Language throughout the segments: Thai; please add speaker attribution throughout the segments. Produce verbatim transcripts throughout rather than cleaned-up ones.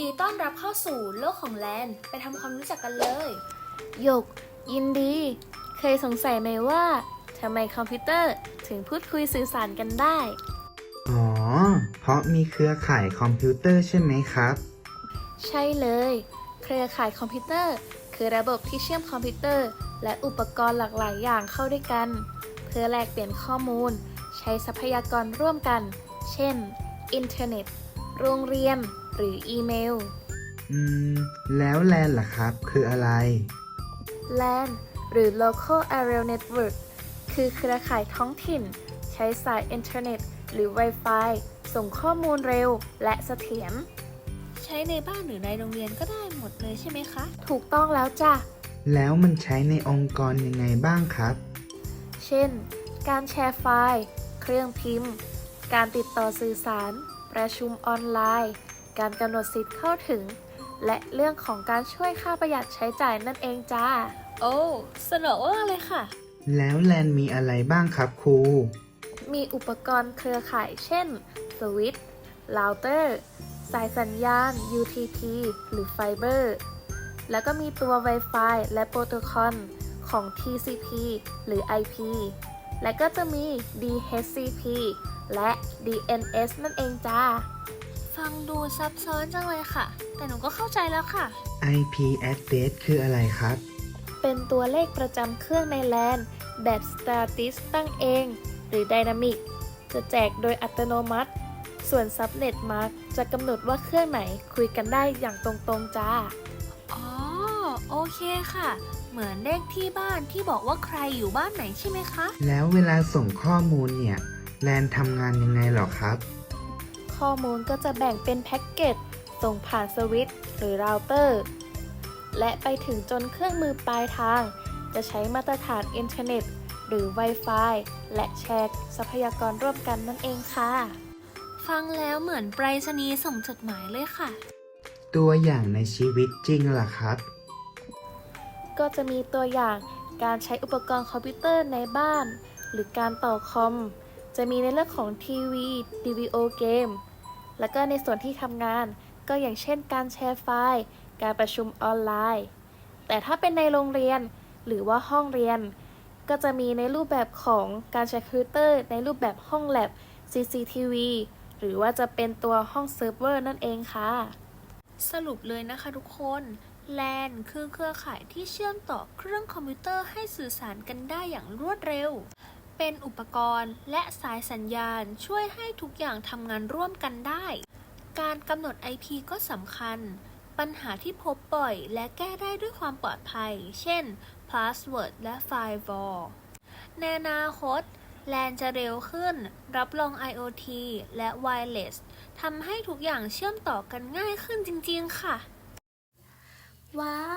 Speaker 1: ยินดีต้อนรับเข้าสู่โลกของแลนไปทำความรู้จักกันเลยหยกยินดี เคยสงสัยไหมว่าทำไมคอมพิวเตอร์ถึงพูดคุยสื่อสารกันได้
Speaker 2: อ๋อ เพราะมีเครือข่ายคอมพิวเตอร์ใช่ไหมครับ
Speaker 1: ใช่เลย เครือข่ายคอมพิวเตอร์ คือระบบที่เชื่อมคอมพิวเตอร์ และอุปกรณ์หลากหลายอย่างเข้าด้วยกัน เพื่อแลกเปลี่ยนข้อมูล ใช้ทรัพยากรร่วมกัน เช่น อินเทอร์เน็ต โรงเรียน หรืออีเมล
Speaker 2: อืม แล้วแลนล่ะครับ คืออะไร
Speaker 1: แลน หรือ Local Area Network คือเครือข่ายท้องถิ่น ใช้สายอินเทอร์เน็ต หรือ Wi-Fi ส่งข้อมูลเร็วและเสถียร ใช้ในบ้านหรือในโรงเรียนก็ได้หมดเลยใช่ไหมคะ ถูกต้องแล้วจ้ะ
Speaker 2: แล้วมันใช้ในองค์กรยังไงบ้างครับ
Speaker 1: เช่น การแชร์ไฟล์ เครื่องพิมพ์ การติดต่อสื่อสาร ประชุมออนไลน์ การกำหนดสิทธิ์เข้าถึง และเรื่องของการช่วยค่าประหยัดใช้จ่ายนั่นเองจ้า โอ้สนุกมากเลยค่ะ
Speaker 2: แล้วแลนมีอะไรบ้างครับครู
Speaker 1: มีอุปกรณ์เครือข่ายเช่น สวิตช์ เราเตอร์ สายสัญญาณ ยู ที พี หรือไฟเบอร์ แล้วก็มีตัว Wi-Fi และโปรโตคอลของ ที ซี พี หรือ ไอ พี และก็จะมี ดี เอช ซี พี และ ดี เอ็น เอส นั่นเองจ้า ฟังดูซับซ้อนจังเลยค่ะ แต่หนูก็เข้าใจแล้วค่ะ
Speaker 2: ไอ พี address คืออะไรครับ
Speaker 1: เป็นตัวเลขประจำเครื่องในแลนแบบ Static ตั้งเอง หรือ Dynamic จะแจกโดยอัตโนมัติ ส่วน Subnet Mark จะกำหนดว่าเครื่องไหนคุยกันได้อย่างตรงๆจ้า อ๋อ โอเคค่ะ เหมือนเลขที่บ้านที่บอกว่าใครอยู่บ้านไหนใช่ไหมคะ
Speaker 2: แล้วเวลาส่งข้อมูลเนี่ย แลนทำงานยังไงหรอครับ
Speaker 1: ข้อมูลก็จะแบ่งเป็นแพ็กเกจส่งผ่านสวิตช์หรือเราเตอร์ และไปถึงจนเครื่องมือปลายทาง จะใช้มาตรฐานอินเทอร์เน็ต หรือ Wi-Fi และแชร์ทรัพยากรร่วมกันนั่นเองค่ะ ฟังแล้วเหมือนไปรษณีย์ส่งจดหมายเลยค่ะ
Speaker 2: ตัวอย่างในชีวิตจริงล่ะครับ
Speaker 1: ก็จะมีตัวอย่างการใช้อุปกรณ์คอมพิวเตอร์ในบ้าน หรือการต่อคอม จะมีในเรื่องของทีวีวิดีโอเกม แล้วก็ในส่วนที่ทำงาน ก็อย่างเช่นการแชร์ไฟล์ การประชุมออนไลน์ แต่ถ้าเป็นในโรงเรียน หรือว่าห้องเรียน ก็จะมีในรูปแบบของการใช้คอมพิวเตอร์ในรูปแบบห้องแลบ ซี ซี ที วี หรือว่าจะเป็นตัวห้องเซิร์ฟเวอร์นั่นเองค่ะ สรุปเลยนะคะทุกคน แลน คือเครือข่ายที่เชื่อมต่อเครื่องคอมพิวเตอร์ให้สื่อสารกันได้อย่างรวดเร็ว เป็นอุปกรณ์และสายสัญญาณช่วยให้ทุกอย่างทำงานร่วมกันได้ การกำหนด ไอ พี ก็สำคัญ ปัญหาที่พบบ่อยและแก้ได้ด้วยความปลอดภัย เช่น Password และ Firewall ในอนาคต แลน จะเร็วขึ้น รับรอง ไอ โอ ที และ Wireless ทำให้ทุกอย่างเชื่อมต่อกันง่ายขึ้นจริงๆค่ะ ว้าว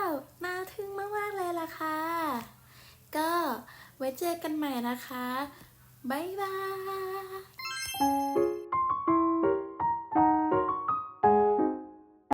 Speaker 1: น่าทึ่งมากๆเลยล่ะค่ะ ก็ไว้เจอกันใหม่นะคะ บ๊ายบาย